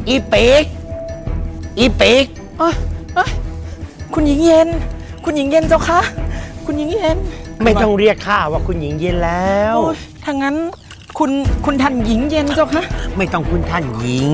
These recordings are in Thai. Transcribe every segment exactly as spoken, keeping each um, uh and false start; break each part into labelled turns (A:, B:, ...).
A: อีปีกอีปีก
B: เอ้ยเอ้ยคุณหญิงเย็นคุณหญิงเย็นเจ้าคะคุณหญิงเย็น
A: ไม่ต้องเรียกข้าว่าคุณหญิงเย็นแล้ว
B: ถ้างั้นคุณคุณท่านหญิงเย็นเจ้าคะ
A: ไม่ต้องคุณท่านหญิง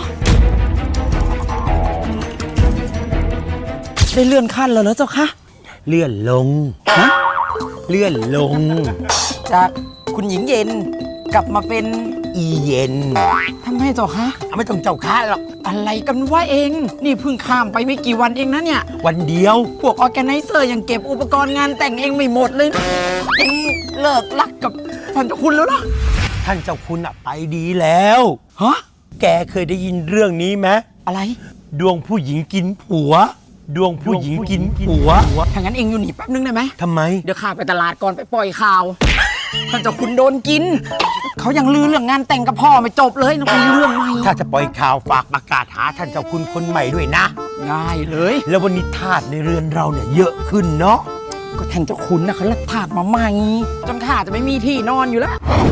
B: ได้เลื่อนขั้นแล้วเหรอเจ้าคะ
A: เลื่อนลงฮะเลื่อนลง
B: จากคุณหญิงเย็นกลับมาเป็น
A: อีเย็น
B: ทำไมเจ้าคะ
A: ไม่ต้องเจ้าข้าหรอก
B: อะไรกันว่าเองนี่เพิ่งข้ามไปไม่กี่วันเองนะเนี่ย
A: วันเดียว
B: พวกออแกไนเซอร์ยังเก็บอุปกรณ์งานแต่งเองไม่หมดเลยนะเองเลิกรักกับท่านเจ้าคุณแล้วเหรอ
A: ท่านเจ้าคุณอะไปดีแล้ว
B: ฮะ
A: แกเคยได้ยินเรื่องนี้ไหม
B: อะไร
A: ดวงผู้หญิงกินผัวดวงผู้หญิงกินผัว
B: ถ้างั้นเองอยู่นี่แป๊บนึงได้ไหม
A: ทำไม
B: เดี๋ยวข้าไปตลาดก่อนไปปล่อยข่าวท่านเจ้าคุณโดนกินเขายังลือเรื่องงานแต่งกับพ่อไม่จบเลยนะมีเรื่องใหม่
A: ถ้าจะปล่อยข่าวฝากประกาศหาท่านเจ้าคุณคนใหม่ด้วยนะ
B: ง่ายเลย
A: แล้ววันนี้ทาสในเรือนเราเนี่ยเยอะขึ้นเนาะ
B: ก็ท่านเจ้าคุณนะเขาลักทาสมาใหม่จนข้าจะไม่มีที่นอนอยู่แล้ว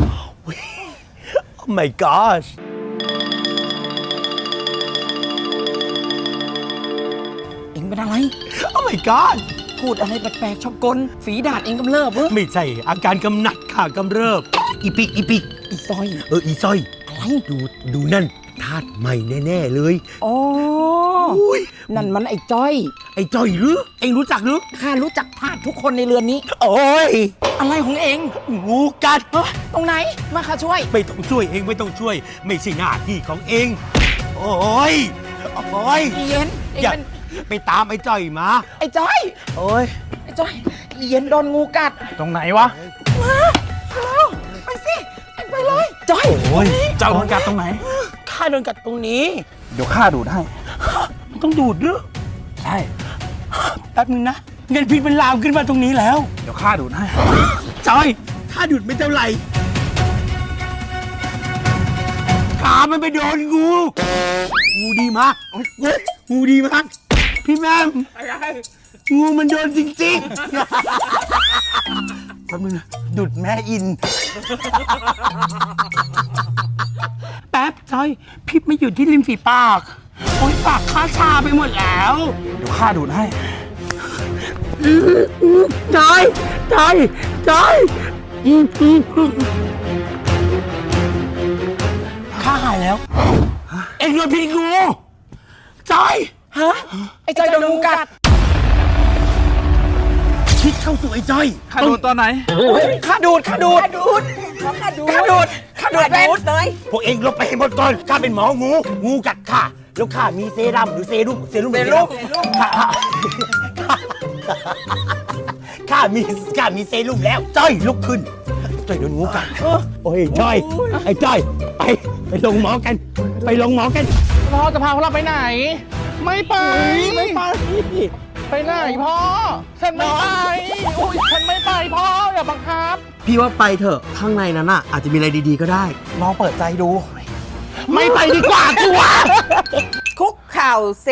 A: Oh my gosh
B: เอ็งเป็นอะไร
A: Oh my god
B: พูดอะไรแปลกๆชอบกลฝีดาษเองกำเริบเหรอ
A: ไม่ใช่อาการกำหนัดค่ะกำเริบอีปิกอีปิก
B: อีซอย
A: เอออีซอย
B: อะไร
A: ดูดูนั่นทาสใหม่แน่ๆเลย
B: อ๋อนั่นมันไอ้จ้อย
A: ไอ้จ้อยหรือเอ็งรู้จักหรือ
B: ข้ารู้จักทาสทุกคนในเรือนนี้
A: โอ้ย
B: อะไรของเอ็ง
A: งูกัด
B: ตรงไหนมาข้าช่วย
A: ไม่ต้องช่วยเองไม่ต้องช่วยไม่ใช่หน้าที่ของเองโอ้ยโอ้ย
B: เย็นเอ็งเป็น
A: ไปตามไอ้จ้อยมา
B: ไอ้จ้อย
A: โอ้ย
B: ไอ้จ้อยเย็นโดนงูกัด
A: ตรงไหนวะ
B: มาแล้วไปสิไปเลยจ้อย
A: โอ้ยเจ้าโดนกัดตรงไหนข้าโดนกัดตรงนี้
C: เดี๋ยวข้าดูดให้
A: มันต้องดูดหรือ
C: ใช่
A: แป๊บนึงนะเงินพิษมันลามขึ้นมาตรงนี้แล้ว
C: เดี๋ยวข้าดูดให้
A: จ้อยข้าดูดไม่เท่าไหร่ขามันไปโดนงูงูดีมากงูดีมากพี่แม่งูมันโดนจริงๆแป๊บนึงนะดุดแม่อินแป๊บจอยพิษไม่อยู่ที่ริมฝีปากโอ๊ยปากข้าชาไปหมดแล้ว
C: เดี๋ยวข้าดูดให้
A: จอยจอยจอยข้าหายแล้วเอ็งโดนพิษงูจอย
B: ฮะไอ้จอยโดนงูกัด
A: พิษเข้าสู่ไอ้จอย
C: ข้าดูดตอนไหน
B: ข้าดูดข้าดูดข้าดูดข้าดูดข้าดูดข้าดูดเลย
A: พวกเองลบไปให้หมดก่อนข้าเป็นหมองูงูกัดข้าแล้วข้ามีเซรั่มหรือเซรุ่มเซรุ่ม
B: เซรุ่ม
A: ข้าข้ามีข้ามีเซรุ่มแล้วจ้อยลุกขึ้นจ้อยโดนงูกัดโอ้ยจ้อยไอ้จ้อยไปไปลงหมอกันไปลงหมอกัน
C: พ่อจะพาพวกเราไปไหนไม่ไปไม่ไปไปไหนพ่อฉันไม่ไปอุ้ยฉันไม่ไปพ่ออย่าบังคับ
D: พี่ว่าไปเถอะข้างในนั้นอ่ะอาจจะมีอะไรดีๆก็ได้
C: ลองเปิดใจดู
A: ไม่ไปดีกว่ากูวะ
E: คุกเข่าเซ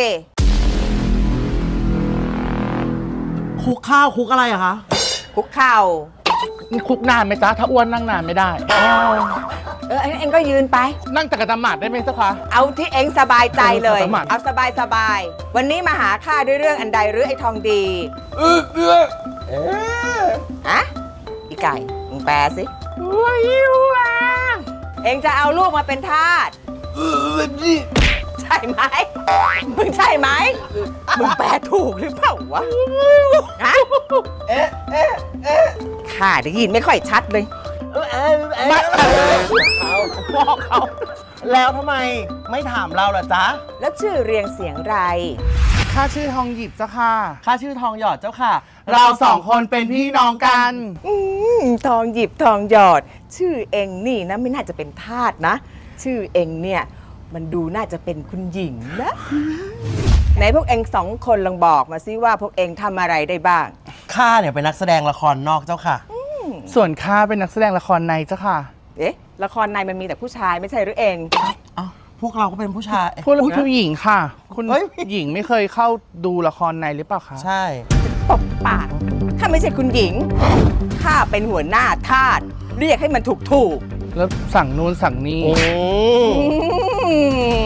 D: คุกข้าวคุกอะไรอะคะ
E: คุกเข่า
C: คุกนานไหมจ๊ะถ้าอ้วนนั่งนานไม่ได้
E: เออเอ็งก็ยืนไป
C: นั่งจักรยานหมาดได้ไหมจ๊ะคะ
E: เอาที่เอ็งสบายใจเลยเอาสบายสบายวันนี้มาหาข้าด้วยเรื่องอันใดหรือไอ้ทองดี
C: เออเออเอ
E: อฮะอีไก่มึงแปลสิว้าวเอ็งจะเอาลูกมาเป็นทาสใช่ไหมมึงใช่ไหมมึงแปลถูกหรือเปล่าวะฮะเอ๊ะเอ๊ะเอ๊ะข้าได้ยินไม่ค่อยชัดเลย
D: ไม่เขาพ่อเขาแล้วทำไมไม่ถามเราล่ะจ๊ะ
E: แล้วชื่อเรียงเสียงไร
C: ข้าชื่อทองหยิบเจ้าค่ะ
D: ข้าชื่อทองหยอดเจ้าค่ะเราสองคนเป็นพี่น้องกัน
E: อืมทองหยิบทองหยอดชื่อเองนี่นะไม่น่าจะเป็นทาสนะชื่อเองเนี่ยมันดูน่าจะเป็นคุณหญิงนะไหนพวกเองสองคนลองบอกมาซิว่าพวกเองทำอะไรได้บ้าง
D: ข้าเนี่ยเป็นนักแสดงละครนอกเจ้าค่ะ
C: ส่วนข้าเป็นนักแสดงละครในเจ้าค่ะ
E: เอ๊ะละครในมันมีแต่ผู้ชายไม่ใช่หรือเอง
D: อ้าวพวกเราก็เป็นผู้ชาย
C: พวกเราผู้หญิงค่ะคุณหญิงไม่เคยเข้าดูละครในหรือเปล่าคะ
D: ใช่
E: ตบปากข้าไม่ใช่คุณหญิงข้าเป็นหัวหน้าทาสเรียกให้มันถูกถูก
C: แล้วสั่งนู้นสั่งนี้
D: ข้า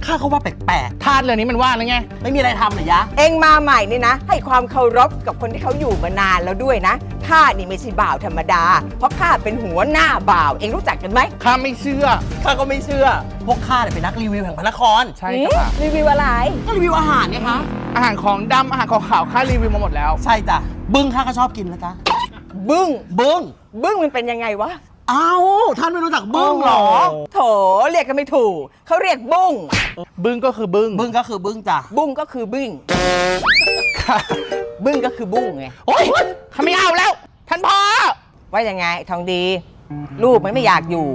D: ข้าก็ว่าแปลก
C: ทาสเรือนนี้มันว่าแล้วไง
D: ๆ ไม่มีอะไรทำเหรอยะ
E: เองมาใหม่นี่นะ ให้ความเคารพกับคนที่เขาอยู่มานานแล้วด้วยนะข้านี่ไม่ใช่บ่าวธรรมดา เพราะข้าเป็นหัวหน้าบ่าว เองรู้จักกันไหม
C: ข้าไม่เชื่อ
D: ข้าก็ไม่เชื่อ พวกข้าเนี่ยเป็นนักรีวิวแห่งพระนคร
C: ใช่จ้ะ
E: รีวิวอะไร
D: ก็รีวิวอาหารไงคะ
C: อาหารของดำอาหารของขาวข้ารีวิวมาหมดแล้ว
D: ใช่จ้ะ บึ้งข้าก็ชอบกินนะจ๊ะ
E: บึ้ง
D: บึ้ง
E: บึ้งมันเป็นยังไงวะ
D: เอ้า ท่านไม่รู้จักบึ้งเหรอ
E: โถเรียกกันไม่ถูกเขาเรียกบุ้ง
C: บึ้งก็คือบึ้ง
D: บึ้งก็คือบึ้งจ้ะ
E: บุ้งก็คือบึ้ง
C: ค่ะ
E: บึ้งก็คือบุ้งไง
C: โอ๊ยข้าไม่เอาแล้ว ท่านพ่อ
E: ว่ายังไงทองดี ลูกมันไม่อยากอยู่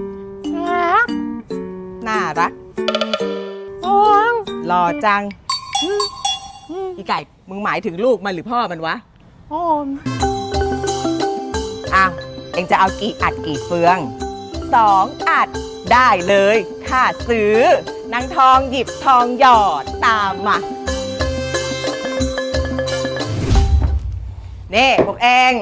E: น่ารักหล่อจังอีไก่มึงหมายถึงลูกมันหรือพ่อมันวะอ้าวเอ็งจะเอากี่อัดกี่เฟืองสองอัดได้เลยค่าซื้อนางทองหยิบทองหยอดตามมานี่พวกเอง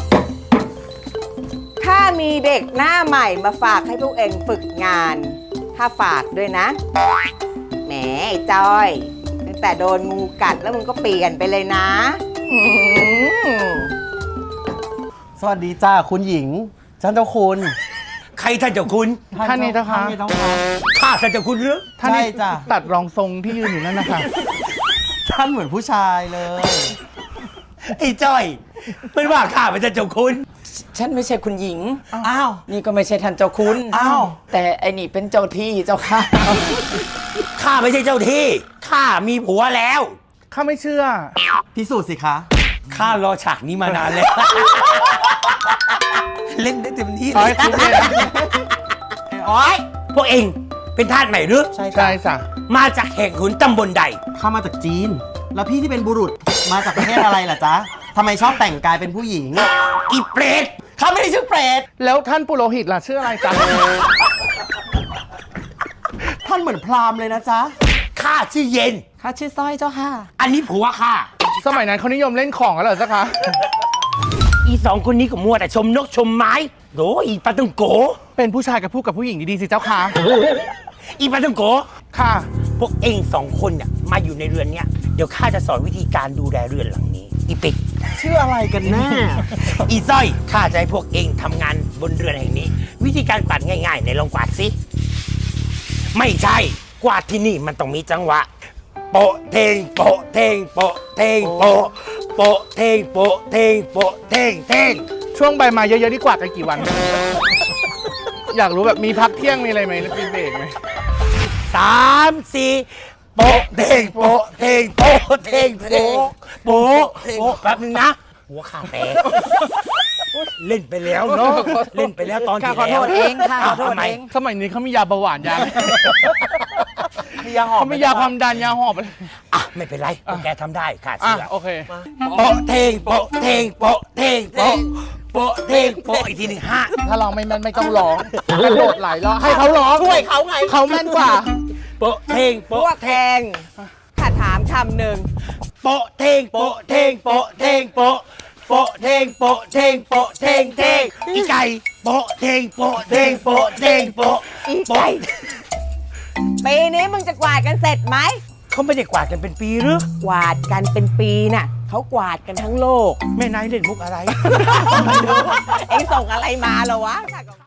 E: ถ้ามีเด็กหน้าใหม่มาฝากให้พวกเองฝึกงาน ถ้าฝากด้วยนะ แหมไอ้จ้อยตั้งแต่โดนงูกัดแล้วมึงก็เปลี่ยนไปเลยนะอืม
D: สวัสดีจ้าคุณหญิงท่านเจ้าคุณ
A: ใครท่านเจ้าคุณ
C: ท่านนี่เจ้าค่ะ
D: ท่านนี่เจ้าค่ะ
A: ข้าท่านเจ้าคุณหรือ
C: ท่านนี่
D: ใช่จ้ะ
C: ตัดรองทรงที่ยืนอยู่นั่นนะคะ
D: ท่านเหมือนผู้ชายเลย
A: ไอ้จ้อยมันว่าข้าเป็นท่านเจ้าคุณ
B: ฉันไม่ใช่คุณหญิง
D: อ้าว
B: นี่ก็ไม่ใช่ท่านเจ้าคุณ
D: อ้าว
B: แต่ไอ้นี่เป็นเจ้าที่เจ้าค่ะ
A: ข้าไม่ใช่เจ้าที่ข้ามีผัวแล้ว
C: ข้าไม่เชื่อ
D: พิสูจน์สิคะ
A: ข้ารอฉากนี้มานานแล้ว เล่นได้เต็มที่เล
C: เอาให้
A: ย
C: คุ้มเลยนะ
A: โอ้ยพวกเองเป็นทาสใหม่หรือ
D: ใช่
C: ใช่
D: จ้ะ
C: จ้ะ
A: มาจากแห่งขุนตำบลใด
D: ข้ามาจากจีน แล้วพี่ที่เป็นบุรุษมาจากประเทศอะไรล่ะจ๊ะทำไมชอบแต่งกายเป็นผู้หญิง
A: อีเปรต
D: ข้าไม่ได้ชื่อเปรต
C: แล้วท่านปุโรหิตล่ะชื่ออะไรจ๊ะ
D: ท่านเหมือนพราหมณ์เลยนะจ๊ะ
A: ข้าชื่อเย็น
B: ข้าชื่อสร้อยเจ้าค่ะ
A: อันนี้ผัวข้า
C: สมัยนั้นเขานิยมเล่นของกันเหรอจ๊ะคะ
A: อีสองคนนี้ก็มัวแต่ชมนกชมไม้โดอีปาตังโก
C: เป็นผู้ชายกับพูดกับผู้หญิงดีๆสิเจ้าค่ะ
A: อีปาตังโก
C: ค่ะ
A: พวกเองสองคนเนี่ยมาอยู่ในเรือนเนี้ยเดี๋ยวข้าจะสอนวิธีการดูแลเรือนหลังนี้ อีปิก
D: ชื่ออะไรกันแน่
A: อีสร้อยข้าจะให้พวกเองทำงานบนเรือนแห่งนี้ วิธีการกวาดง่ายๆในลองกวาดสิไม่ใช่กวาดที่นี่มันต้องมีจังหวะ โปะเทงโปะเทงโปะเทงโปะโปะเทงโปะเทงโปะเทงเทง
C: ช่วงใบไม้เยอะๆนี่กว่ากันกี่วัน อยากรู้แบบมีพักเที่ยงมีอะไรไหมมีเบรกไหม
A: สามสี่โปะเทงโปะเทงโปะเทงโปะโปะโปะแป๊บนึงนะ หัวขาแตกเล่นไปแล้วเนาะเล่นไปแล้วตอนที่
B: ข้าขอ
A: แล้
B: โท
A: ว
B: ษเองค่ะขอโทษ
A: ทำไม
B: เอง
C: สมัยนี้เขามียาเบาหวานยา
D: มียาหอม
C: เขามียาความดันยาหอบอะไร
A: อ่ะไม่เป็นไรพวกแกทำได้ค่ะ
C: อ่ะ
A: เชื่อ
C: โอเค
A: โปะเทงโปะเทงโปะเทงโปะโปะเทงโปะอีกทีหนึ่งห้า
C: ถ้าร้องไม่แม่นไม่ต้องร้องกระโดดไหลายรอบให้เขาร้อง
D: ช่วยเขาไง
C: เขาแม่นกว่า
A: โปะเทง
E: พว
A: โปะ
E: กแทงข้าถามคำหนึ่ง
A: โปะเทงโปะเทงโปะเทงโปะโปะเทงโปะเทงโปะเทงเทงอีไก่โปะเทงโปะเทงโปะเทงโปะ
E: อีไก่ปีนี้มึงจะกวาดกันเสร็จไหม
A: เขาไม่ได้กวาดกันเป็นปีหรือก
E: วาดกันเป็นปีน่ะเขากวาดกันทั้งโลก
A: แม่นายเล่นมุกอะไร
E: เอ็งส่งอะไรมาเหรอวะ